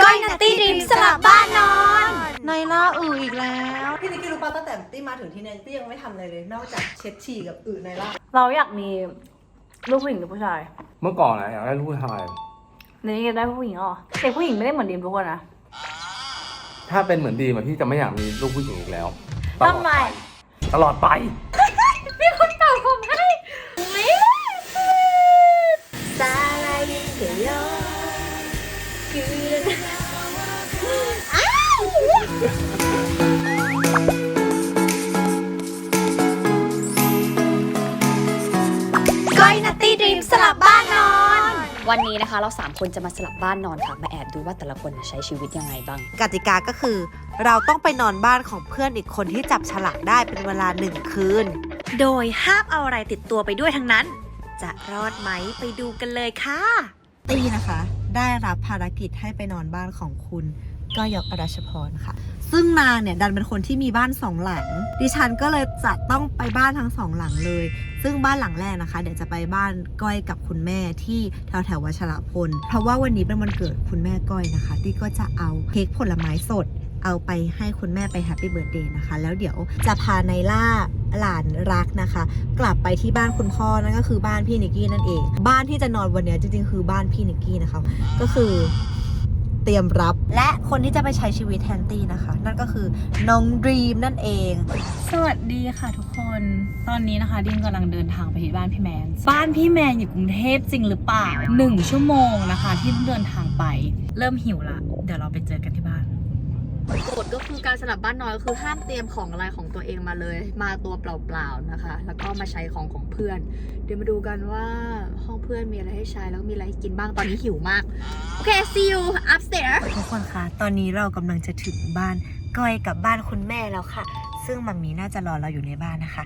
ก้อยนัตตี้ดรีมสลับบ้านนอนในล่าอีกแล้วพี่นิกกี้รู้ป่ะตั้งแต่ตี้มาถึงที่เนี่ยตี้ยังไม่ทำอะไรเลยนอกจากเช็ดฉี่กับในล่าเราอยากมีลูกผู้หญิงหรือผู้ชายเมื่อก่อนนะอยากได้ลูกผู้ชายในนี้ได้ผู้หญิงเหรอแต่ผู้หญิงไม่ได้เหมือนดีมทุกคนนะถ้าเป็นเหมือนดีมพี่จะไม่อยากมีลูกผู้หญิงอีกแล้วทำไมตลอดไปมีคนตอบผมให้ไม่ซาลายิเกโยคือก้อยนัตตี้ดรีมสลับบ้านนอนวันนี้นะคะเรา3คนจะมาสลับบ้านนอนค่ะมาแอบดูว่าแต่ละคนใช้ชีวิตยังไงบ้างกติกาก็คือเราต้องไปนอนบ้านของเพื่อนอีกคนที่จับฉลากได้เป็นเวลา1 คืนโดยห้ามเอาอะไรติดตัวไปด้วยทั้งนั้นจะรอดไหมไปดูกันเลยค่ะตี้นะคะได้รับภารกิจให้ไปนอนบ้านของคุณก้อยอรัชพรค่ะซึ่งนางเนี่ยดันเป็นคนที่มีบ้าน2 หลังดิฉันก็เลยจะต้องไปบ้านทั้ง2 หลังเลยซึ่งบ้านหลังแรกนะคะเดี๋ยวจะไปบ้านก้อยกับคุณแม่ที่แถววัชรพลเพราะว่าวันนี้เป็นวันเกิดคุณแม่ก้อยนะคะที่ก็จะเอาเค้กผลไม้สดเอาไปให้คุณแม่ไปแฮปปี้เบิร์ธเดย์นะคะแล้วเดี๋ยวจะพาไนล่าหลานรักนะคะกลับไปที่บ้านคุณพ่อนั่นก็คือบ้านพี่นิกกี้นั่นเองบ้านที่จะนอนวันนี้จริงๆคือบ้านพี่นิกกี้นะคะก็คือเตรียมรับและคนที่จะไปใช้ชีวิตแทนตี้นะคะนั่นก็คือน้องดรีมนั่นเองสวัสดีค่ะทุกคนตอนนี้นะคะดิมกำลังเดินทางไปที่บ้านพี่แมนบ้านพี่แมนอยู่กรุงเทพจริงหรือเปล่า1 ชั่วโมงนะคะที่เดินทางไปเริ่มหิวละเดี๋ยวเราไปเจอกันที่บ้านกฎก็คือการสลับบ้านนอนก็คือห้ามเตรียมของอะไรของตัวเองมาเลยมาตัวเปล่าๆนะคะแล้วก็มาใช้ของเพื่อนเดี๋ยวมาดูกันว่าห้องเพื่อนมีอะไรให้ใช้แล้วมีอะไรให้กินบ้างตอนนี้หิวมากโอเค see you upstairs ทุกคนคะตอนนี้เรากำลังจะถึงบ้านก้อยกับบ้านคุณแม่แล้วค่ะซึ่งมัมมี่น่าจะรอเราอยู่ในบ้านนะคะ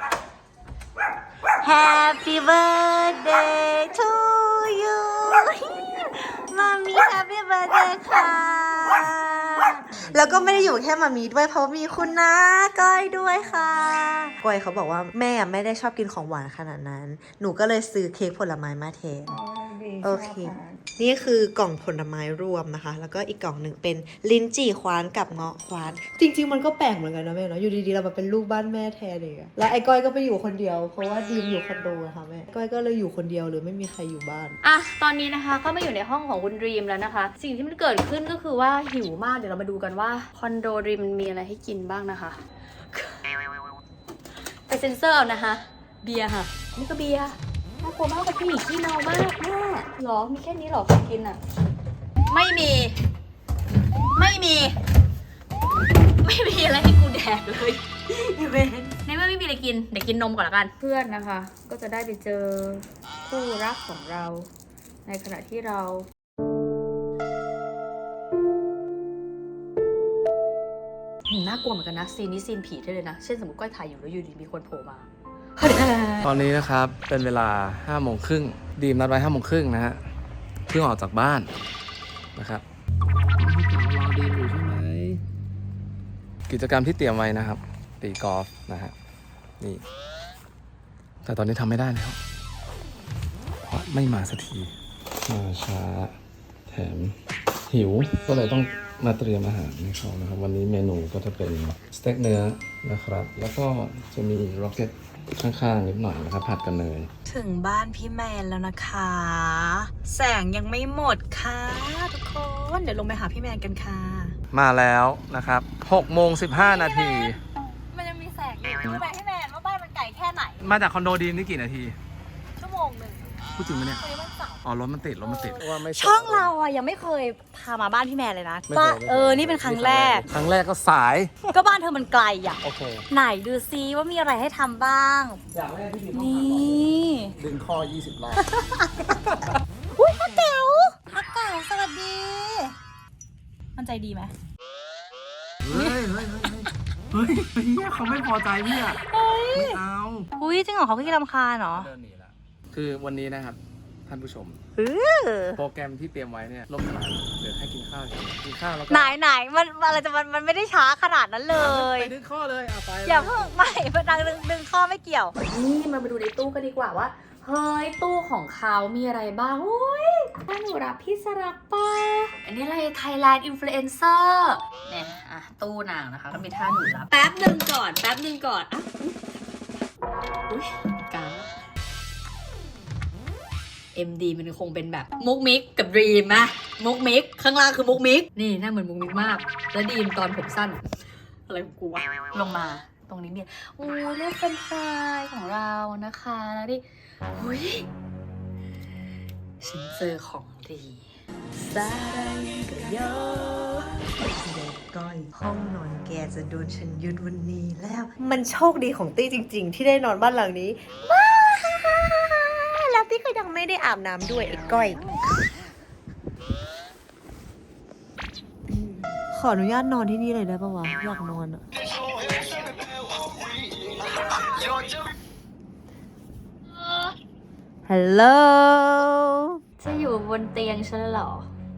Happy birthday to you มัมมี่ Happy birthday ค่ะแล้วก็ไม่ได้อยู่แค่มัมมี่ด้วยเพราะมีคุณน้าก้อยด้วยค่ะก้อยเขาบอกว่าแม่ไม่ได้ชอบกินของหวานขนาดนั้นหนูก็เลยซื้อเค้กผลไม้มาแทนโอเคนี่คือกล่องผลไม้รวมนะคะแล้วก็อีกกล่องหนึ่งเป็นลิ้นจี่คว้านกับเงาะคว้านจริงๆมันก็แปลกเหมือนกันนะแม่เนาะอยู่ดีๆเรามาเป็นลูกบ้านแม่แทนเลยแล้วไอ้ก้อยก็ไปอยู่คนเดียวเพราะว่าดีมอยู่คอนโดนะคะแม่ก้อยก็เลยอยู่คนเดียวหรือไม่มีใครอยู่บ้านอ่ะตอนนี้นะคะก็มาอยู่ในห้องของคุณดรีมแล้วนะคะสิ่งที่มันเกิดขึ้นก็คือว่าหิวมากเดี๋ยวเรามาดูกันว่าคอนโดดรีมมันมีอะไรให้กินบ้างนะคะไปเซ็นเซอร์เอานะคะเบียร์ค่ะนี่ก็เบียร์น่ากลัวมากเป็นผู้หญิงที่เมามากแม่หรอมีแค่นี้หรอของกินอ่ะไม่มีอะไรให้กูแดกเลยในเมื่อไม่มีอะไรกินเดี๋ยวกินนมก่อนละกันเพื่อนนะคะก็จะได้ไปเจอคู่รักของเราในขณะที่เราน่ากลัวเหมือนกันนะซีนนี้ซีนผีได้เลยนะเช่นสมมติก้อยถ่ายอยู่แล้วอยู่ดีมีคนโผล่มาตอนนี้นะครับเป็นเวลา5 โมงครึ่งดีมนัดไว้5 โมงครึ่งนะฮะเพิ่งออกจากบ้านนะครับรอดีมอยู่ใช่ไหมกิจกรรมที่เตรียมไว้นะครับตีกอล์ฟนะฮะนี่แต่ตอนนี้ทำไม่ได้แล้วเพราะไม่มาสักทีมาช้าแถมหิวก็เลยต้องมาเตรียมอาหารให้เขานะครับวันนี้เมนูก็จะเป็นสเต็กเนื้อนะครับแล้วก็จะมีร็อกเก็ตข้างๆนิดหน่อยนะครับผัดกันเนยถึงบ้านพี่แมนแล้วนะคะแสงยังไม่หมดค่ะทุกคนเดี๋ยวลงไปหาพี่แมนกันค่ะมาแล้วนะครับ6:15 นาทีมันยังมีแสงอยู่รู้ไหมพี่แมนว่าบ้านมันไกลแค่ไหนมาจากคอนโดดีมนี่กี่นาทีชั่วโมงหนึ่งพูดจริงไหมเนี่ยอ๋อรถมันติดช่องเราอ่ะยังไม่เคยพามาบ้านพี่แมนเลยนะนี่เป็นครั้งแรกก็สายก็บ้านเธอมันไกลอ่ะโอเคไหนดูซิว่ามีอะไรให้ทำบ้างอย่างแรกที่นี่ดึงข้อ20 รอบอุ้ยฮักเก๋าสวัสดีมันใจดีไหมเฮ้ยเขาไม่พอใจพี่อ่ะไม่เอาอุ้ยจริงเหรอเขาขี้รำคาญเหรอเดินหนีละคือวันนี้นะครับท่านผู้ชมโปรแกรมที่เตรียมไว้เนี่ยล่มสลายเดี๋ยวให้กินข้าวแล้วก็ไหนมันอะไรจะมันไม่ได้ช้าขนาดนั้นเลยไปดึงข้อเลยไปอย่าเพิ่งไม่ดึงข้อไม่เกี่ยวนี่มาดูในตู้กันดีกว่าว่าเฮ้ยตู้ของเขามีอะไรบ้างโอ้ยถ้าหนูรับพี่สรักป้าอันนี้อะไร Thailand Influencer เนี่ยอ่ะตู้นางนะคะก็มีท่าหนูรับแป๊บหนึ่งก่อนอ่ะอุ๊ยการMD มันคงเป็นแบบมุกมิกกับดรีมนะมุกมิกข้างล่างคือมุกมิกนี่หน้าเหมือนมุกมิกมากแล้วดีมตอนผมสั้นอะไรของกูวะลงมาตรงนี้เนี่ยโอ้ยเลือกเป็นไฟของเรานะคะแล้วดิหุยฉันเจอของดีซาดังกับโยเด็กก้อยห้องนอนแกจะโดนฉันยึดวันนี้แล้ว มันโชคดีของตี้จริง ๆ ที่ได้นอนบ้านหลังนี้ว้าแล้วตี้ก็ยังไม่ได้อาบน้ำด้วยไอ้ก้อย ขออนุญาตนอนที่นี่เลยได้ปะวะ อยากนอนอะฮัลโหลจะอยู่บนเตียงฉันเหรอ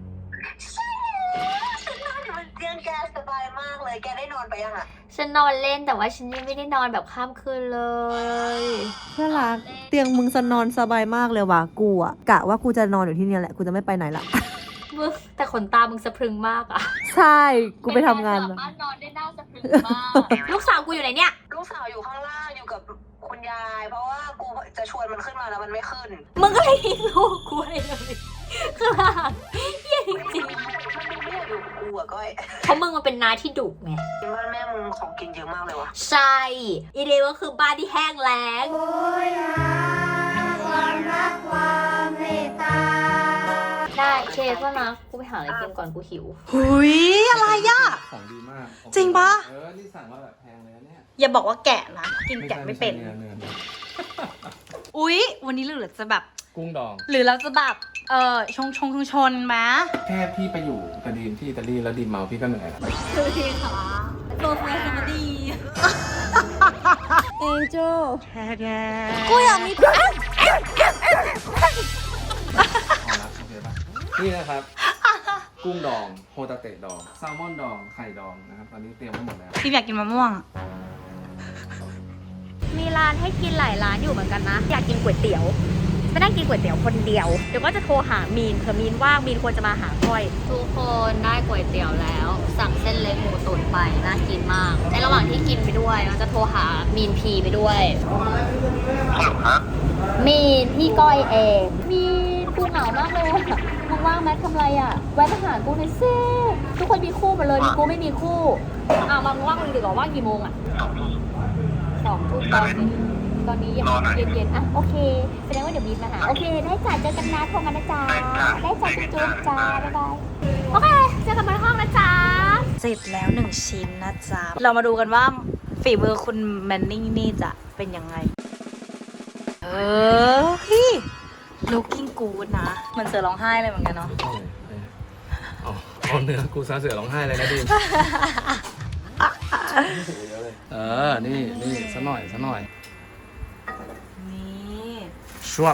ฉันนอนอยู่บนเตียงแกสบายมากเลย แกได้นอนไปยังอะฉันนอนเล่นแต่ว่าฉันยังไม่ได้นอนแบบข้ามคืนเลยเพื่อนรักเตียงมึงนอนสบายมากเลยว่ะกูอะกะว่ากูจะนอนอยู่ที่นี่แหละกูจะไม่ไปไหนละมึงแต่ขนตามึงสะพรึงมากอะใช่กูไปทำงานสามามารถนอนได้หน้าสะพรึงมาก ลูกสาวกูอยู่ไหนเนี่ยลูกสาวอยู่ข้างล่างอยู่กับคุณยาย เพราะว่ากูจะชวนมันขึ้นมาแล้วมันไม่ขึ้นมึงก็เลยทิ้งลูกกูไปเลยคือเยี่ยจริงมันไม่อยากอยู่กับกูอะก้อยๆเพราะมึงมันเป็นน้าที่ดุไงที่บ้านแม่มึงของกินเยอะมากเลยวะใช่อีเดียก็คือบ้านที่แห้งแล้งได้เชฟว่านะกูไปหาอะไรกินก่อนกูหิวหุยอะไรอะของดีมากจริงปะนี่สั่งมาแบบแพงเลยนะเนี่ยอย่าบอกว่าแกะนะกินแกะไม่เป็นใช่เนื้ออุ๊ย วันนี้เหลือจะแบบกุ้งดองหรือเราจะแบบชนไหมแค่พี่ไปอยู่กับดีมที่อิตาลีแล้วดีมเมาพี่ก็เหนื่อยแล้วคือทีค่ะโซเฟียสมาดีเอ็นโจกูอยากมีพอละโอเคปะนี่นะครับ กุ้งดองโฮตาเตะดองแซลมอนดองไข่ดองนะครับตอนนี้เตรียมไว้หมดแล้วพี่อยากกินมะม่วงมีร้านให้กินหลายร้านอยู่เหมือนกันนะ อยากกินก๋วยเตี๋ยวไม่ได้กินก๋วยเตี๋ยวคนเดียว เดี๋ยวก็จะโทรหามีนเผื่อมีนว่างมีนควรจะมาหาก้อยทุกคนได้ก๋วยเตี๋ยวแล้ว สั่งเส้นเล็กหมูตุ๋นไปน่ากินมาก ในระหว่างที่กินไปด้วยเราจะโทรหามีนพีไปด้วยมีนพี่ก้อยเองมีนกูเหงามากเลยอะมึงว่างไหมทำไรอ่ะแวะมาหากูหน่อยสิทุกคนมีคู่หมดเลยมีกูไม่มีคู่มามึงว่างเลยดีกว่าว่างกี่โมงอ่ะ2 ทุ่มตอนนี้ยังเย็นๆอ่ะโอเคแสดงว่าเดี๋ยวมีมาหาโอเคได้จ้ะเจอกันนะโทรกันนะจ๊ะได้จ้ะจุ๊บจ้าบ๊ายบายโอเคเจอกันบนห้องนะจ๊ะเสร็จแล้ว1 ชิ้นนะจ๊ะ เรามาดูกันว่าฝีมือคุณแมนนี่นี่จะเป็นยังไง พี่ looking good นะ มันเสือร้องไห้เลยเหมือนกันเนาะเอาเนื้อกูซาเสือร้องไห้เลยนะดีมนี่ซะหน่อยนี่ชวบ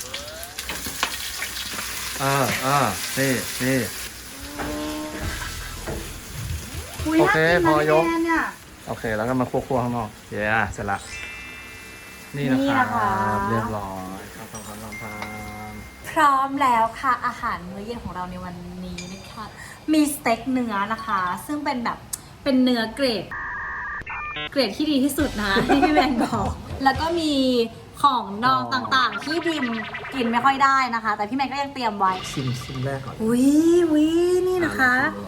นี่โอเคพอยกโอเคแล้วก็มาคั่วๆข้างนอกเย้เสร็จละนี่นะครับเรียบร้อยครับพร้อมแล้วค่ะอาหารมื้อเย็นของเราในวันนี้นะคะมีสเต็กเนื้อนะคะ ซึ่งเป็นแบบเป็นเนื้อเกรดที่ดีที่สุดนะ ที่พี่แมนบอก แล้วก็มีของดองต่างๆ ที่ดิมกินไม่ค่อยได้นะคะ แต่พี่แมนก็ยังเตรียมไว้ชิมแรกก่อนอุ้ยนี่นะคะ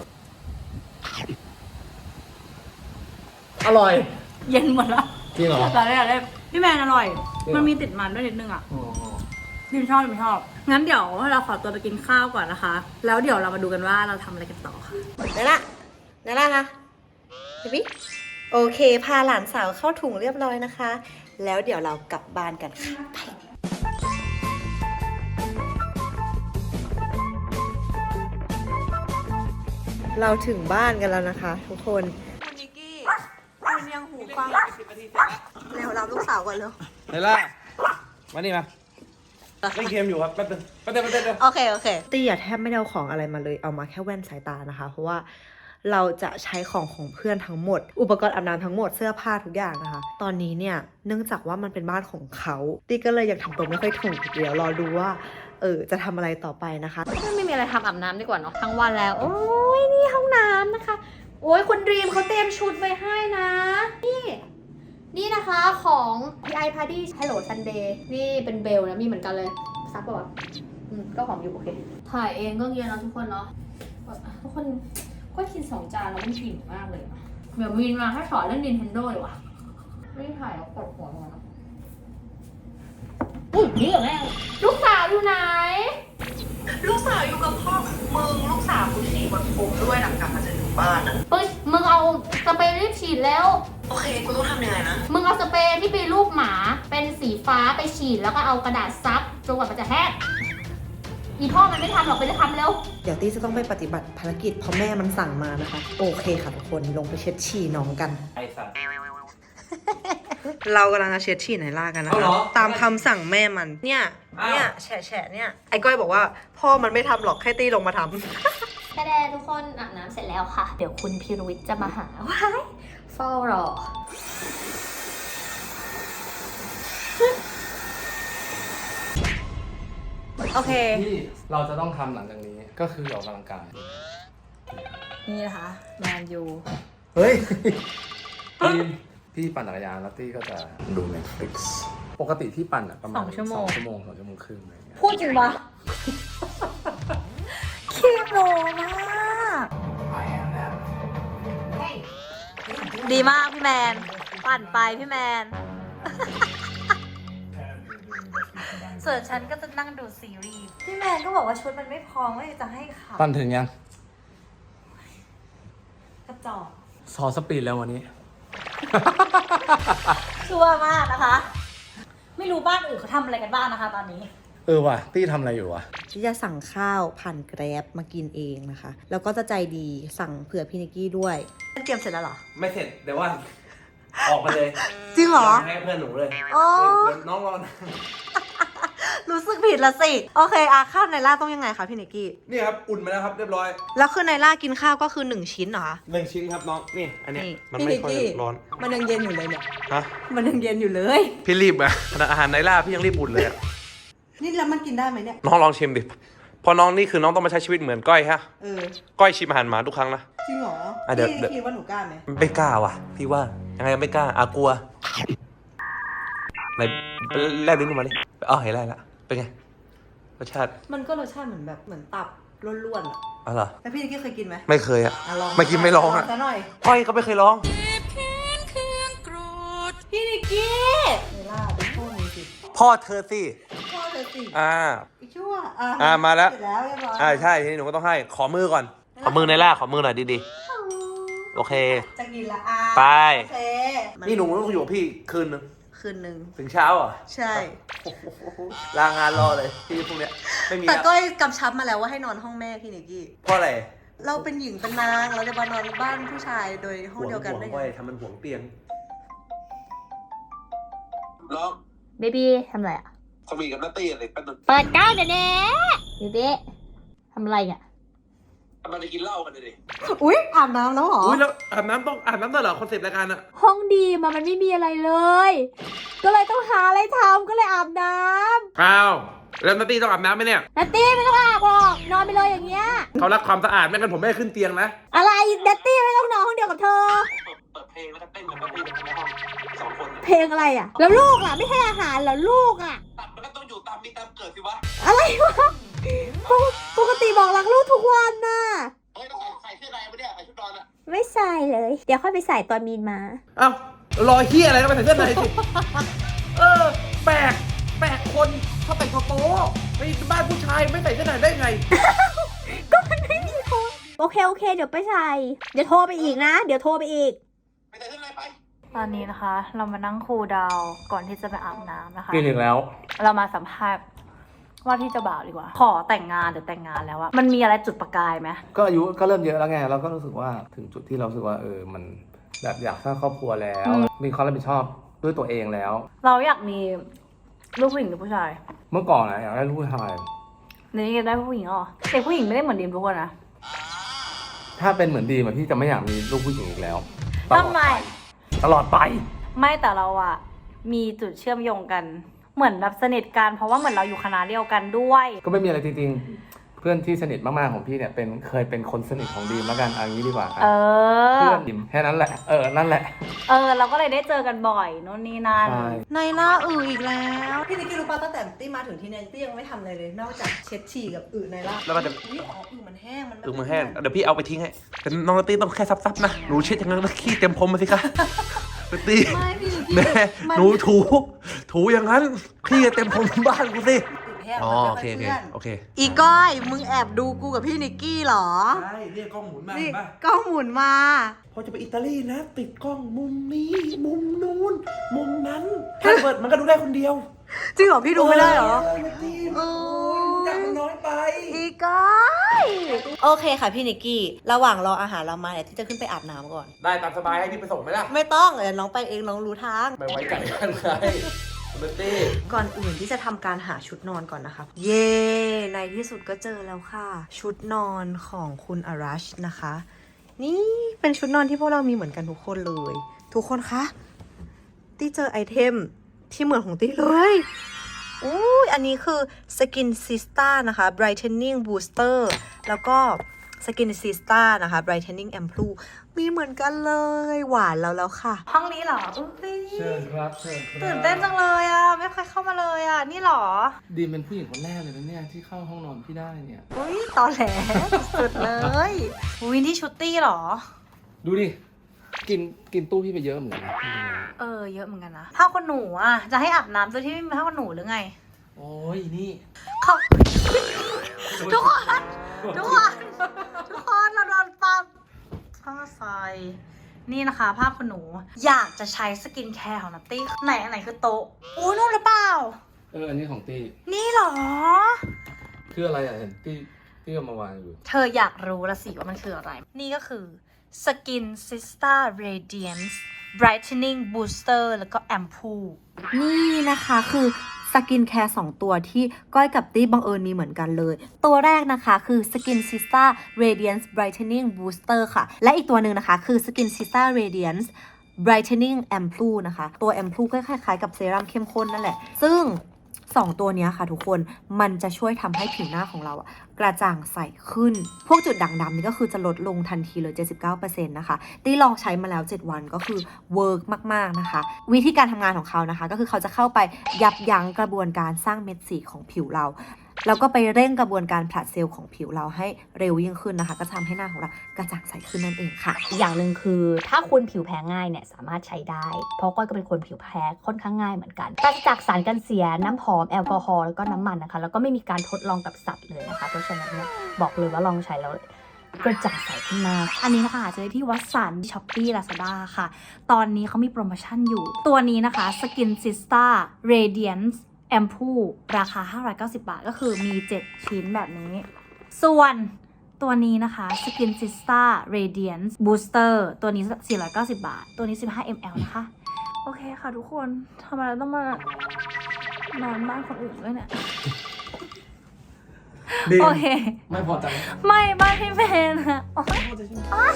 อร่อยเย็นหมดแล้วจริงเหรอได้พี่แมนอร่อยจริงเหรอมันมีติดมันด้วยนิดนึงอ่ะอ๋อดิมชอบงั้นเดี๋ยวเราขอตัวไปกินข้าวก่อนนะคะ แล้วเดี๋ยวเรามาดูกันว่าเราทำอะไรกันต่อค่ะนั่นละค่ะเบบี้โอเค พาหลานสาวเข้าถุงเรียบร้อยนะคะ แล้วเดี๋ยวเรากลับบ้านกันค่ะไปเราถึงบ้านกันแล้วนะคะ ทุกคนคุณนิกกี้คุณยังหูฟังเร็วรับลูกสาวก่อนเร็วเฮ้ยล่ะมานี่มาเล่นเกมอยู่ครับแป๊บนึงโอเคตี้อะแทบไม่ได้เอาของอะไรมาเลยเอามาแค่แว่นสายตานะคะ เพราะว่าเราจะใช้ของเพื่อนทั้งหมด อุปกรณ์อาบน้ำทั้งหมดเสื้อผ้าทุกอย่างนะคะ ตอนนี้เนี่ยเนื่องจากว่ามันเป็นบ้านของเขาตี้ก็เลยยังทำตัวไม่ค่อยถูกเดี๋ยวรอดูว่าจะทำอะไรต่อไปนะคะไม่มีอะไรทำอาบน้ำดีกว่าเนาะทั้งวันแล้ว โอ้ยนี่ห้องน้ำนะคะ โอ้ยคุณดรีมเขาเตรียมชุดไว้ให้นะ นี่นะคะของ PI Party Hello Sunday นี่เป็นเบลนะมีเหมือนกันเลยซักป่ะวะก็ของอยู่โอเค ถ่ายเองก็เย็นแล้วทุกคนเนาะทุกคนก็กิน2 จานแล้วมันอิ่มมากเลยนะเดี๋ยววินมาให้สอนเล่น Nintendo เลยวะไม่ถ่ายแล้วกดหัวลงนะนี่เหรอแม่ลูกสาวอยู่ไหนลูกสาวอยู่กับพ่อมึงลูกสาวกูฉี่บนผมด้วยหลังกลับมาจากถึงบ้านอะเฮ้ยมึงเอาสเปรย์รีบฉีดแล้วโอเคกูต้องทำยังไงนะมึงเอาสเปรย์ที่เป็นรูปหมาเป็นสีฟ้าไปฉีดแล้วก็เอากระดาษซับจนกว่ามันจะแห้งอีพ่อมันไม่ทำหรอกไปจะทำแล้วเดี๋ยวตี้จะต้องไปปฏิบัติภารกิจเพราะแม่มันสั่งมานะคะ โอเคค่ะทุกคนลงไปเช็ดฉี่น้องกันไอ้สัตว์เรากำลังจะเช็ดฉี่ไหนล่ากันนะเอาเหรคะอตามคำสั่งแม่มันเนี่ยอ้าวเนี่ยแฉะเนี่ยไอ้ก้อยบอกว่าพ่อมันไม่ทำหรอกให้ตี้ลงมาทำแค่แดทุกคนอาบน้ำเสร็จแล้วค่ะ เดี๋ยวคุณพีรวิทย์จะมาหาว้ายเฝ้ารอโอเคที่เราจะต้องทำหลังจากนี้ก็คือออกกำลังกายนี่นะคะแมนยูเฮ้ย พี่ปั่นจักรยานแล้วตี้ก็จะดู Netflix ปกติที่ปั่นอะประมาณ 2 ชั่วโมง 2 ชั่วโมง 2 ชั่วโมงครึ่งอะไรอย่างเงี้ยพูดจริงปะขี้โมมาก ดีมากพี่แมน ปั่นไปพี่แมน ส่วนฉันก็จะนั่งดูซีรีส์ พี่แมนก็บอกว่าชุดมันไม่พอไม่จะให้ขับปั่นถึงยังกระจอกซอสปีดแล้ววันนี้ชั่วมากนะคะ ไม่รู้บ้านอื่นเขาทำอะไรกันบ้างนะคะตอนนี้ว่ะตี้ทำอะไรอยู่วะที่จะสั่งข้าวผ่านแกร็บมากินเองนะคะ แล้วก็จะใจดีสั่งเผื่อพี่นิกกี้ด้วยเตรียมเสร็จแล้วเหรอไม่เสร็จเดี๋ยวว่าออกมาเลยจริงเหรอให้เพื่อนหนูเลยอ๋อเดี๋ยวน้องรอนะรู้สึกผิดละสิ โอเคข้าวไนล่าต้องยังไงคะพี่นิกกี้นี่ครับอุ่นมาแล้วครับเรียบร้อยแล้วคือไนล่ากินข้าวก็คือ1 ชิ้นเหรอคะ 1 ชิ้นครับน้องนี่อันเนี้ยนี่มันไม่ค่อยร้อนมันยังเย็นอยู่เลยเนี่ยฮะมันยังเย็นอยู่เลยพี่รีบอะขนาดอาหารไนล่าพี่ยังรีบอุ่นเลยอะนี่แล้วมันกินได้ไหมเนี่ยน้องลองชิมดิเพอน้องนี่คือน้องต้องมาใช้ชีวิตเหมือนก้อยฮะเออก้อยชิมอาหารหมาทุกครั้งนะจริงเหรออ่ะเดี๋ยวพี่คิดว่าหนูกล้าไหมไม่กล้าว่ะ พี่ว่ายังไงไม่กล้ากลัวไหนแลบลิ้นออกมาดิอ๋อเห็นแล้วเป็นไงรสชาติมันก็รสชาติเหมือนตับล้วนๆอะอ๋อเหรอแล้วพี่นิกกี้เคยกินไหมไม่เคยอะลองไม่กินไม่ลองอะซะหน่อยก้อยก็ไม่เคยลองพี่นิกกี้ไนล่าเป็นพ่อมึงสิพ่อเธอสิพ่อเลยสิอ่าอีชั่วมาแล้วเสร็จแล้วเรียบร้อยใช่ทีนี้หนูก็ต้องให้ขอมือก่อน ขอมือในล่าขอมือหน่อยดีๆโอเคจะกินละไปโอเคนี่หนูต้องอยู่กับพี่คืนนึงคืนนึงถึงเช้าเหรอใช่ลางานรอเลยพี่พวกเนี้ยไม่มีแต่แล้วก็กำชับมาแล้วว่าให้นอนห้องแม่พี่นิกกี้เพราะอะไรเราเป็นหญิงเป็นนางเราจะมานอนบ้านผู้ชายโดยห้องเดียวกันได้ห่วงไงไว้ทำมันห่วงเตียงร้องเบบี้ทำอะไรอ่ะสวีกับนัตตี้อะไรเป็นเปิดก้าวเดี๋ยวนี้เบบี้ทำอะไรอ่ะมันจะกินเหล้ากันเลยดิอุ๊ยอาบน้ำแล้วเหรออุ้ยแล้วอาบน้ำต้องอาบน้ำด้วยเหรอคอนเซปต์รายการอะห้องดีมันไม่มีอะไรเลย ก็เลยต้องหาอะไรทำก็เลยอาบน้อ้าวแล้วนัตตี้ต้องอาบน้ำไหมเนี่ยำนัตตี้ไม่ต้องอาบหรอกนอนไปเลยอย่างเงี้ยเขารักความสะอาดไม่งั้นผมไม่ให้ขึ้นเตียงนะอะไรนัตตี้ไม่ต้องนอนห้องเดียวกับเธอเปิดเพลงแล้วก็เต้นกับนัตตี้ในห้อง2 คนเพลงอะไรอ่ะ แล้วลูกอ่ะไม่ให้อาหารเหรอลูกอ่ะตัดมันก็ต้องอยู่ตามมีตามเกิดสิวะอะไรวะปกติบอกรักลูกทุกวันน่ะเฮ้ยต้องใส่เสื้อในมาเนี่ยใส่ชุดนอนอะไม่ใส่เลย เดี๋ยวค่อยไปใส่ตอนมีนมาอ้าวรอเฮียอะไรก็ไปใส่เสื้อในสิ แปลกคนเขาแต่งตัวโป๊ไปบ้านผู้ชายไม่ใส่เสื้อในได้ไงก็มันไม่มีคนโอเค เดี๋ยวไปใส่ เดี๋ยวโทรไปอีกนะ เดี๋ยวโทรไปอีกไปใส่เสื้อในไปตอนนี้นะคะ เรามานั่งคูลดาวน์ก่อนที่จะไปอาบน้ำนะคะกินอีกแล้วเรามาสัมภาษณ์ว่าที่เจะบ่าวดีกว่า ขอแต่งงานหรือแต่งงานแล้วอะมันมีอะไรจุดประกายไหมก็อายุก็เริ่มเยอะแล้วไงเราก็รู้สึกว่าถึงจุดที่เรารู้สึกว่ามันแบบอยากสร้างครอบครัวแล้ว มีความรับผิดชอบด้วยตัวเองแล้วเราอยากมีลูกผู้หญิงหรือผู้ชายเมื่อก่อนนะอยากได้ลูกผู้ชายเดี๋ยวนี้ได้ผู้หญิงเหรอเด็กผู้หญิงไม่ได้เหมือนดิมทุกคนนะถ้าเป็นเหมือนดีมพี่จะไม่อยากมีลูกผู้หญิงอีกแล้วทำไมตลอดไปไม่แต่เราอะมีจุดเชื่อมโยงกัน เหมือนแบบสนิทกันเพราะว่าเหมือนเราอยู่คณะเดียวกันด้วยก็ไม่มีอะไรจริงๆ เพื่อนที่สนิทมากๆของพี่เนี่ยเคยเป็นคนสนิทของดีมแล้วกันเอางี้ดีกว่าเออเพื่อนดีมแค่นั้นแหละนั่นแหละเราก็เลยได้เจอกันบ่อยนู่นนี่นั่นใช่ในล่าอีกแล้ว พี่นิกกี้รู้ป่ะตั้งแต่ตี้มาถึงที่เนี่ยตี้ยังไม่ทำอะไรเลย นอกจากเช็ดฉี่กับในล่าแล้วก็จะอุ๊ยมันแห้ง มันแบบมือแห้งเดี๋ยวพี่เอาไปทิ้งให้แต่น้องนัตตี้ต้องแค่ซับๆนะหนูเช็ดอย่างนั้นแล้วขี้เต็มพรมมาสิคะนัตตี้ไม่พี่นิกกี้แม่หนูถูอย่างนั้นขี้เต็มพรมบ้านกูสิแห้งอ๋อมันโอเคไม่โอเคเปื้อนโอเคอีก้อย มึงแอบดูกูกับพี่นิกกี้เหรอใช่เรียกกล้องหมุนมานี่เห็นป่ะกล้องหมุนมาพอจะไปอิตาลีนะ ติดกล้องมุมนี้มุมนู้นมุมนั้นถ้าเปิดมันก็ดูได้คนเดียวจริงเหรอ พี่ดูไม่ได้เหรอโอ้ยจังมันน้อยไปอีก้อย โอเคค่ะพี่นิกกี้ ระหว่างรออาหารเรามาเนี่ยที่จะขึ้นไปอาบน้ำก่อนได้ตามสบายให้พี่ไปส่งไหมล่ะไม่ต้องเดี๋ยวน้องไปเองน้องรู้ทางไม่ไว้ใจกันไงนัตตี้ก่อนอื่นที่จะทำการหาชุดนอนก่อนนะคะเย้ในที่สุดก็เจอแล้วค่ะ ชุดนอนของคุณอารัชนะคะ นี่เป็นชุดนอนที่พวกเรามีเหมือนกันทุกคนเลย ทุกคนคะตี้เจอไอเทมที่เหมือนของตี้เลยอุ้ยอันนี้คือ Skin Sista นะคะ Brightening Booster แล้วก็ Skin Sista นะคะ Brightening Ampoule มีเหมือนกันเลยหวานแล้วค่ะห้องนี้เหรออุ๊ยเชิญครับเชิญครับตื่นเต้นจังเลยอ่ะ ไม่เคยเข้ามาเลยอ่ะ นี่เหรอดีมเป็นผู้หญิงคนแรกเลยนะเนี่ยที่เข้าห้องนอนพี่ได้เนี่ยอุ้ยตอแหลสุดเลย อุ้ยนี่ชุดตี้เหรอดูดิกินตู้พี่ไปเยอะเหมือนกันนะเยอะเหมือนกันนะผ้าขนหนูอ่ะ จะให้อาบน้ำโดยที่ไม่มีผ้าขนหนูหรือไงโอ้ยนี่เขาทุกคนเราโดนปั๊บผ้าใส่นี่นะคะผ้าขนหนู อยากจะใช้สกินแคร์ของนัตตี้ไหนคือโต๊ะอู้นู่นหรือเปล่าอันนี้ของตี้นี่เหรอคืออะไรอ่ะเห็นตี้เอามาวางอยู่เธออยากรู้ละสิว่ามันคืออะไร นี่ก็คือ Skin Sista Radiance Brightening Booster แล้วก็ Ampoule นี่นะคะคือสกินแคร์2ตัวที่ก้อยกับตี้บังเอิญมีเหมือนกันเลย ตัวแรกนะคะคือ Skin Sista Radiance Brightening Booster ค่ะ และอีกตัวหนึ่งนะคะคือ Skin Sista Radiance Brightening Ampoule นะคะ ตัว Ampoule ก็คล้ายๆกับเซรั่มเข้มข้นนั่นแหละ ซึ่ง 2 ตัวนี้ค่ะทุกคนมันจะช่วยทำให้ผิวหน้าของเราอะกระจ่างใสขึ้น พวกจุดด่างดำนี่ก็คือจะลดลงทันทีเลย 79% นะคะตี้ลองใช้มาแล้ว 7 วันก็คือเวิร์กมากๆนะคะ วิธีการทำงานของเขานะคะก็คือเขาจะเข้าไปยับยั้งกระบวนการสร้างเม็ดสีของผิวเรา แล้วก็ไปเร่งกระบวนการผลัดเซลล์ของผิวเราให้เร็วยิ่งขึ้นนะคะก็จะทำให้หน้าของเรากระจ่างใสขึ้นนั่นเองค่ะอีกอย่างหนึ่งคือถ้าคุณผิวแพ้ง่ายเนี่ยสามารถใช้ได้ เพราะก้อยก็เป็นคนผิวแพ้ค่อนข้างง่ายเหมือนกันปราศจากสารกันเสียน้ำหอมแอลกอฮอล์แล้วก็น้ำมันนะคะแล้วก็ไม่มีการทดลองกับสัตว์เลยนะคะเพราะฉะนั้นเนี่ยบอกเลยว่าลองใช้แล้วกระจ่างใสขึ้นมากอันนี้นะคะหาซื้อได้ที่วัดสัน Shopee Lazada ค่ะตอนนี้เขามีโปรโมชั่นอยู่ตัวนี้นะคะ Skin Sista Radiance Ampoule ราคา590 บาทก็คือมี7ชิ้นแบบนี้ส่วนตัวนี้นะคะ Skin Sista Radiance Booster ตัวนี้490 บาทตัวนี้15 ml นะคะโอเคค่ะทุกคนทำไมเราต้องมานอนบ้านคนอื่นด้วยเนี่ยโอเคไม่พอใจไม่บ้านพี่เมนอะโอ๊ย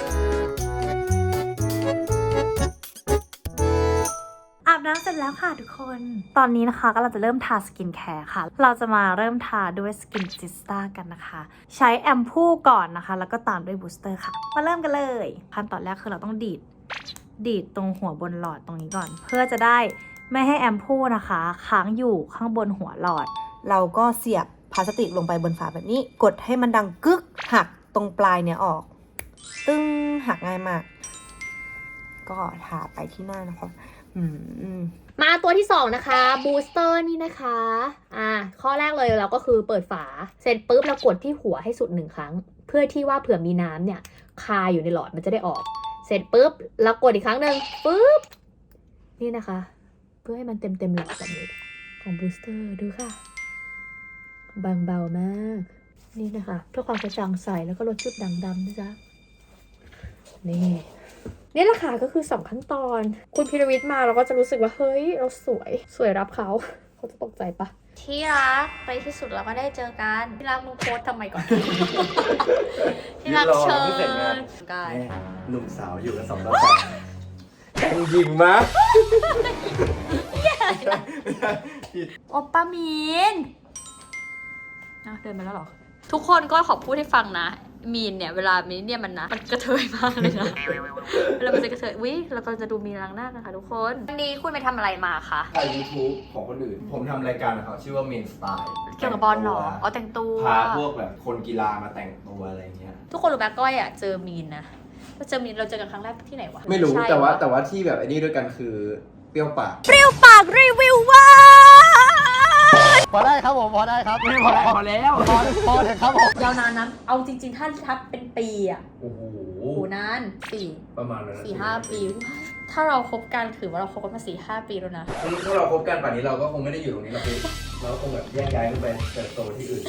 อาบน้ำเสร็จแล้วค่ะทุกคน ตอนนี้นะคะก็เราจะเริ่มทาสกินแคร์ค่ะ เราจะมาเริ่มทาด้วยสกินซิสตากันนะคะ ใช้แอมพูก่อนนะคะ แล้วก็ตามด้วยบูสเตอร์ค่ะ มาเริ่มกันเลย ขั้นตอนแรกคือเราต้องดีดตรงหัวบนหลอดตรงนี้ก่อน เพื่อจะได้ไม่ให้แอมพูนะคะค้างอยู่ข้างบนหัวหลอดเราก็เสียบพลาสติกลงไปบนฝาแบบนี้กดให้มันดังกึกหักตรงปลายเนี่ยออก ตึ้งหักง่ายมาก ก็ทาไปที่หน้านะคะมาตัวที่2นะคะบูสเตอร์นี่นะคะข้อแรกเลยเราก็คือเปิดฝาเสร็จปุ๊บเรากดที่หัวให้สุด1ครั้งเพื่อที่ว่าเผื่อมีน้ำเนี่ยคาอยู่ในหลอดมันจะได้ออกเสร็จปุ๊บเรากดอีกครั้งหนึ่งปุ๊บนี่นะคะเพื่อให้มันเต็มหลอดแบบนี้ของบูสเตอร์ดูค่ะบางเบามากนี่นะคะเพื่อความกระจ่างใสแล้วก็ลดจุดด่างดำนะจ๊ะนี่แหละค่ะก็คือ2ขั้นตอนคุณพีรวิทย์มาเราก็จะรู้สึกว่าเฮ้ยเราสวยรับเขาจะตกใจปะที่รักไปที่สุดเราก็ได้เจอกันที่รักมึงโพสทำไมก่อน ที่รักเชิญกายหนุ่มสาวอยู่กัน2 ต่อ 3แต่งหญิงมะโอป้ามีนเดินมาแล้วเหรอ ทุกคนก็ขอพูดให้ฟังนะ มีนเนี่ยเวลามีนเนี่ยมันกระเทยมากเลยนะ เวลามันจะกระเทยวิเราก็จะดูมีนล้างหน้ากันค่ะทุกคนวันนี้คุณไปทำอะไรมาคะถ่าย YouTube ของคนอื่น ผมทำรายการของเขาชื่อว่า Main Style เกี่ยวกับบอลเหรออ๋อแต่งตัวพาพวกแบบคนกีฬามาแต่งตัวอะไรเงี้ยทุกคนรู้ไหมก้อยเจอมีนนะเราเจอมีนเราเจอกันครั้งแรกที่ไหนวะไม่รู้ใช่แต่ว่าที่แบบไอ้นี่ด้วยกันคือเปรี้ยวปากปากรีวิวว่าพอได้ครับผมพอได้ครับไม่พอแล้วพอเลยครับผมยาวนานนะเอาจริงๆถ้าทับเป็นปีอ่ะโอ้โหโอ้นานประมาณนั้น 4-5 ปี ถ้าเราคบกันถือว่าเราคบกันมา 4-5 ปีแล้วนะถ้าเราคบกันป่านนี้เราก็คงไม่ได้อยู่ตรงนี้หรอกพี่เราก็คงแบบแยกย้ายกันไปเติบโตที่อื่น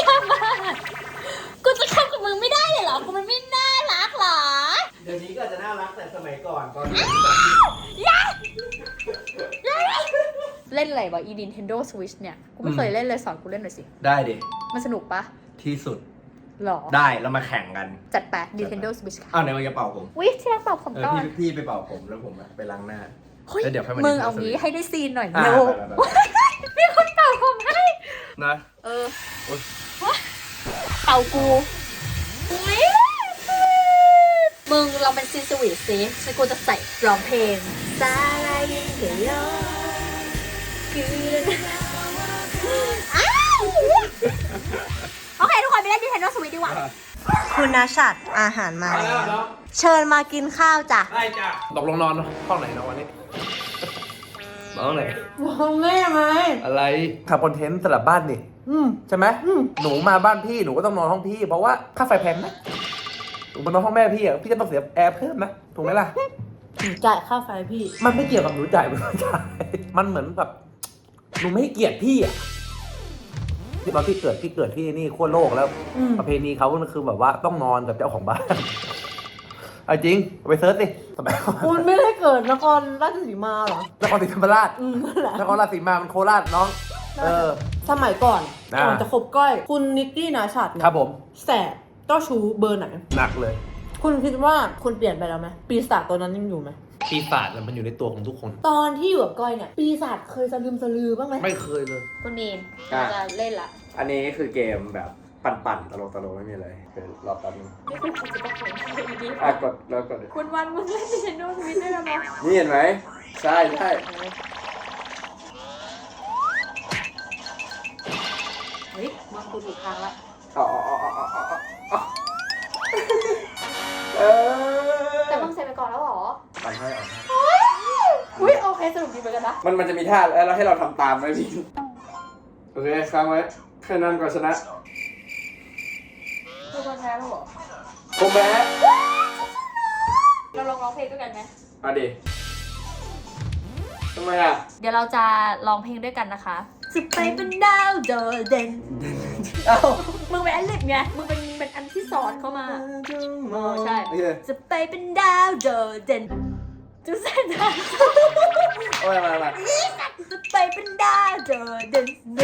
กูจะเข้ากับมึงไม่ได้เลยเหรอ กูมันไม่น่ารักเหรอเดี๋ยวนี้ก็จะน่ารักแต่สมัยก่อนตอนนี้เล่นอะไรวะ Nintendo Switch เนี่ย กูไม่เคยเล่นเลยสอนกูเล่นหน่อยสิได้ดิมันสนุกปะที่สุดหรอได้เรามาแข่งกันจัดไป Nintendo Switch ค่ะอ้าวไหนมันจะเป่าผมวิที่รักเป่าผมก่อนพี่ไปเป่าผมแล้วผมไปล้างหน้าเฮ้ยแล้วเดี๋ยวค่อยมามึง Nintendo เอางี้ Switch ให้ได้ซีนหน่อยอ่ะเร็วไปมีคนเป่าผมให้นะเป่ากูมึงเราเป็นซีสวีทสิฉันกูจะใส่ร้องเพลงซาลายินเกยอโอเค ทุกคนไปเล่น Nintendo Switch ดีกว่าคุณนาชัดอาหารมาแล้วเชิญมากินข้าวจ้ะได้จ้ะตกลงนอนห้องไหนนอนวันนี้นอนห้องไหนแม่ไหมอะไรทำคอนเทนต์สลับบ้านนี่ใช่ไหมหนูมาบ้านพี่หนูก็ต้องนอนห้องพี่เพราะว่าค่าไฟแพงนะหนูมานอนห้องแม่พี่พี่ก็ต้องเสียแอร์เพิ่มนะถูกไหมล่ะจ่ายค่าไฟพี่มันไม่เกี่ยวกับหนูจ่ายไม่จ่ายมันเหมือนแบบหนูไม่ให้เกียรติพี่อ่ะที่ตอนที่เกิดที่นี่ขั้วโลกแล้ว ประเพณีเขาคือแบบว่าต้องนอนกับเจ้าของบ้านเอาจริงไปเซิร์ชสิสมัยก่อนคุณไม่ได้เกิดนครราชสีมาเหรอนครศรีธรรมราชนั่นแหละนครราชสีมามันโคราชน้องสมัยก่อนอ่าก่อนจะคบก้อย คุณนิกกี้นาชัดเนี่ยครับผมแสบเจ้าชู้เบอร์ไหนหนักเลยคุณคิดว่าคุณเปลี่ยนไปแล้วไหมปีศาจตัวนั้นยังอยู่ไหมปีศาจมันอยู่ในตัวของทุกคนตอนที่อยู่กับก้อยเนี่ยปีศาจเคยสลืมสลือบ้างไหมไม่เคยเลยคุณมีนอ่ะเราจะเล่นละอันนี้คือเกมแบบปั่นๆตลกไม่มีอะไรคือรอแป๊บนึงนี่คือคุณจะต้องเล่นดีกดแล้วกดคุณวันมึงเล่น Nintendo Switch ได้แล้วมั้ยนี่เห็นไหมใช่ใช่เฮ้ยมึงกูถูกทางละอ๋อแต่มึงเสร็จไปก่อนแล้วเหรอปั่นให้อุ้ยโอเคสนุกดีเหมือนกันนะมันจะมีท่าแล้วให้เราทำตามไหมพี่โอเคค้างไว้ใครนำก่อนชนะคือคนแพ้แล้วเหรอผมแพ้เราลองร้องเพลงด้วยกันไหมเอาดิทำไมอ่ะเดี๋ยวเราจะร้องเพลงด้วยกันนะคะจะไปเป็นดาวโดดเด่นเอ้ามึงเป็นอันลิปไง มึงเป็นอันที่สอนเข้ามา ใช่โอเคจะไปเป็นดาวโดดเด่นจะเส้นทางโอ้ยมาจะไปเป็นดาวโดดเด่น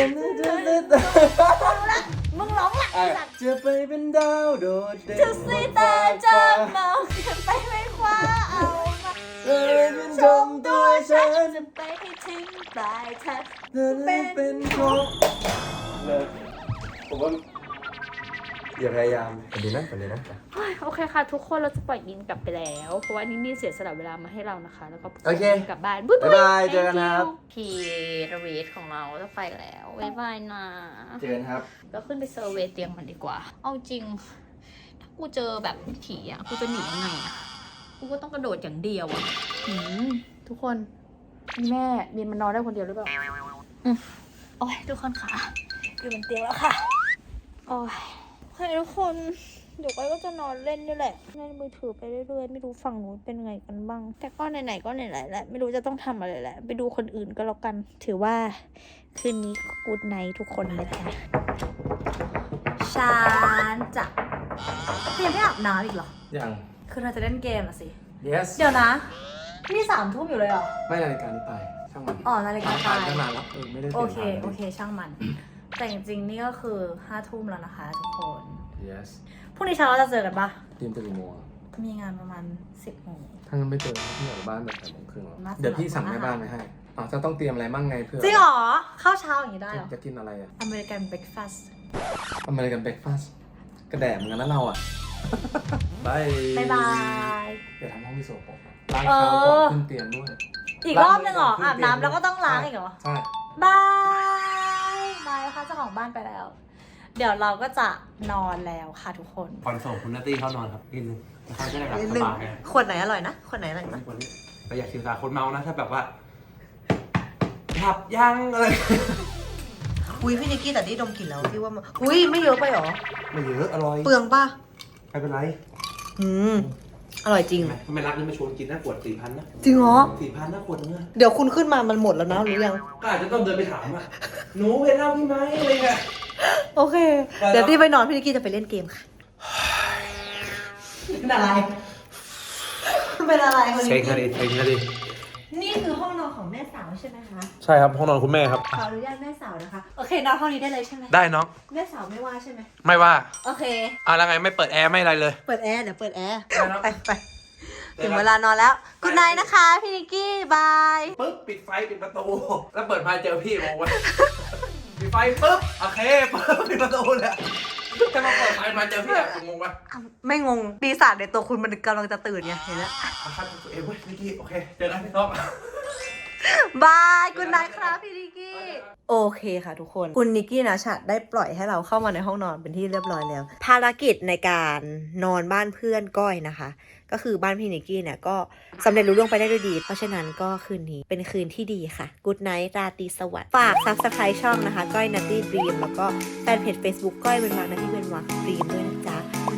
มึงร้องละไอ้สัตว์จะไปเป็นดาวโดดเด่นจะสีตาจะเมาจะไปไม่คว้าเอามาเป็นชมตัวฉันจะไปให้ถึงปลายทางเป็นของเลิกผมว่าอย่าพยายามฝันดีนะโอเคค่ะ ทุกคนเราจะปล่อยนินกลับไปแล้ว เพราะว่านินมีเสียสละเวลามาให้เรานะคะ แล้วก็โอเคส่งนินกลับบ้านบ๊ายบ๊ายบายเจอกันนะครับพีระเวทของเราจะไปแล้วบ๊ายบายนะเจอกันครับก็ขึ้นไปเซอร์เวย์เตียงมันดีกว่า เอาจริง ถ้ากูเจอแบบผีอ่ะ กูจะหนียังไงอ่ะ กูก็ต้องกระโดดอย่างเดียวอ่ะทุกคนมีแม่มีนมันนอนได้คนเดียวหรือเปล่าโอ้ยทุกคนค่ะอยู่บนเตียงแล้วค่ะโอ้ยโอเคทุกคนเดี๋ยวก็จะนอนเล่นนี่แหละเล่นมือถือไปเรื่อยๆไม่รู้ฝั่งนู้นเป็นไงกันบ้าง แต่ก็ไหนๆก็ไหนๆแหละไม่รู้จะต้องทำอะไรแหละไปดูคนอื่นก็แล้วกัน ถือว่าคืนนี้กูดไนท์ทุกคนนะจ๊ะฉันจะยังไม่อาบน้ำอีกเหรอยังคือเราจะเล่นเกมอะสิ yes เดี๋ยวนะ นี่3 ทุ่มอยู่เลยเหรอไม่นาฬิกานี้ไปช่างมันอ๋อนาฬิกาตายตั้งนานแล้วไม่ได้เปโอลี่ยนเค โอเค ช่างมัน แต่จริงๆ นี่ก็คือ5 ทุ่มแล้วนะคะทุกคน yes พรุ่งนี้เช้าเราจะเจอกันปะทีมตื่นกี่โมงอะมีงานประมาณ 10 โมงถ้างั้นไม่เจอพี่ออกจากบ้านแบบ8 โมงครึ่งแล้วน่าจะเดี๋ยวพี่สั่งแม่บ้านไปให้อ๋อจะต้องเตรียมอะไรบ้างไงเพื่อจริงเหรอ ข้าวเช้าอย่างนี้ได้เหรอจะกินอะไรอ่ะอเมริกันเบรคฟาสต์อเมริกันเบรกฟาสต์กระแดดเหมือนกันนะเราอ่ะ บายบ๊ายบายอย่าทำห้องพี่โสโปรกนะล้างเท้าก่อนขึ้นเตียงด้วยอีกรอบนึงเหรอ อาบน้ำแล้วก็ต้องล้างอีกเหรอใช่บายบายค่ะเจ้าของบ้านไปแล้ว เดี๋ยวเราก็จะนอนแล้วค่ะทุกคนก่อนส่งคุณนัตตี้เข้านอนครับนิดนึงเขาจะได้แบบนิดสนึงบายขวดไหนอร่อยนะขวดไหนอร่อยนะวันนี้แต่อยากสื่อสารคนเมานะถ้าแบบว่าหลับยังอะไรอุ้ยพี่นิกกี้แต่ที่ดมกลิ่นแล้วพี่ว่ามันอุ้ยไม่เยอะไปหรอไม่เยอะอร่อยเปลืองป่ะไม่เป็นไรอร่อยจริงทำไมรักนี่มาชวนกินนะขวด 4,000 นะจริงเหรอ 4,000นะขวดนึงอะเดี๋ยวคุณขึ้นมามันหมดแล้วนะรู้ยังก็อาจจะต้องเดินไปถามอ่ะหนูเป็นเหล้าพี่ไหมอะไรเงี้ยโอเค เดี๋ยวที่ไปนอนพี่นิกกี้จะไปเล่นเกมค่ะเป็นอะไรเป็นอะไรคนเช็นี้คกันดิเช็คกันดินี่คือห้องนอนของแม่สาวใช่ไหมคะใช่ครับห้องนอนคุณแม่ครับขออนุญาตแม่สาวนะคะ โอเคนอนห้องนี้ได้เลยใช่ไหมได้น้องแม่สาวไม่ว่าใช่ไหมไม่ว่าโอเคแล้วไงไม่เปิดแอร์ไม่อะไรเลยเปิดแอร์เดี๋ยวเปิดแอร์ได้แล้วไปถึงเวลานอนแล้วกุณนายนะคะพี่นิกกี้บายปึ๊บปิดไฟปิดประตู แล้วเปิดมาเจอพี่งงวะ ปิดไฟปึ๊บโอเคปึ๊บปิดประตูเลยจะมาเปิดไฟมาเจอพี่อะงงวะไม่งงปีศาจในตัวคุณมันกำลังจะตื่นไงเห็นแล้วอาคาตัวเองเว้ยนิกกี้โอเคเจอกันพี่ท็อปบายกุณนายครับพี่นิกกี้โอเคค่ะทุกคนคุณนิกกี้นะชัดได้ปล่อยให้เราเข้ามาในห้องนอนเป็นที่เรียบร้อยแล้ว ภารกิจในการนอนบ้านเพื่อนก้อยนะคะ ก็คือบ้านพี่นิกกี้เนี่ยก็สำเร็จรุ่ล่วงไปได้ด้วยดี เพราะฉะนั้นก็คืนนี้เป็นคืนที่ดีค่ะ Good night ราตรีสวัสดิ์ฝาก Subscribe ช่องนะคะก้อยนัตตี้ดรีมแล้วก็แฟนเพจ Facebook ก้อยเป็นวักนัตตี้เป็นวักดรีมด้วยนะจ๊ะ